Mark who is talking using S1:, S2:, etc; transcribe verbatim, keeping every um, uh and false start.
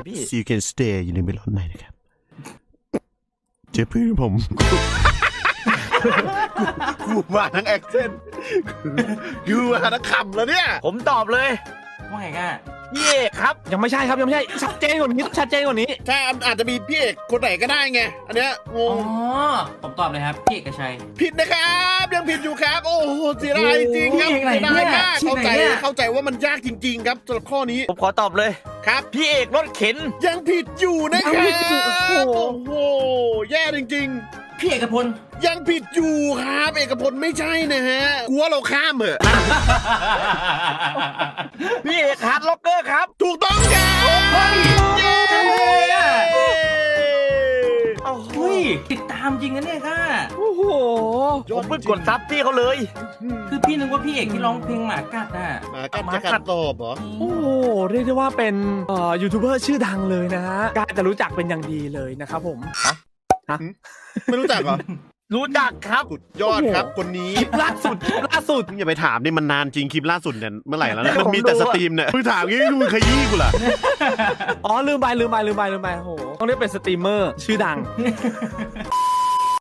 S1: พี่
S2: so you can stay อยู่ในเมลอนไหนนะครับเจอเพื่อนผมกูมาทั้งแอคเซนต์กูมาทั้งคำแล้วเนี่ย
S1: ผมตอบเลยว่าไงกันพี่เอกครับ
S3: ยังไม่ใช่ครับยังไม่ใช่ชัดเจนกว่านี้ชัดเจนกว่านี้
S2: ถ้าอาจจะมีพี่เอกคนไหนก็ได้ไงอันเนี้ยงง
S4: อ๋อผมตอบเลยครับพี่เอกชัย
S2: ผิดนะครับยังผิดอยู่ครับโอ้โหเสียดายจริงครับเสียดายมากเข้าใจเข้าใจว่ามันยากจริงๆครับสำหรับข้อนี้
S1: ผมขอตอบเลย
S2: ครับ
S1: พี่เอกรถเข็น
S2: ยังผิดอยู่นะครับโอ้โหแย่จริงๆ
S4: พี่เอกพล
S2: ยังผิดอยู่ครับเอกพลไม่ใช่นะฮะกลัวเราข้ามเหอะ
S1: พี่เอกฮาร์ดล็อกเกอร์ครับ
S2: ถูกต้องครับเย้
S4: โอ้โหติดตามจริงนะเนี่ยค่ะ
S3: โอ้โห
S1: ผมเพิ่งกดซับพี่เขาเลย
S4: คือพี่นึกว่าพี่เอกที่ร้องเพลงหมากัดน่ะ
S2: หมากัดจะกัดตอบเหรอ
S3: โอ้โหเรียกได้ว่าเป็นเอ่อยูทูบเบอร์ชื่อดังเลยนะฮะกาจะรู้จักเป็นอย่างดีเลยนะครับผมฮะ
S2: ไม่รู้จักเหรอ
S1: รู้จักครับ
S2: สุดยอดครับคนนี้
S3: คลิปล่าสุดคลิปล่าสุด
S2: อย่าไปถามนี่มันนานจริงคลิปล่าสุดเนี่ยเมื่อไหร่แล้วนะมันมีแต่สตรีมเนี่ยมึงถามงี้มึงขยี้กูล่ะ
S3: อ๋อลืมไปลืมไปลืมไปลืมไปโอ้โหต้องเรียกเป็นสตรีมเมอร์ชื่อดัง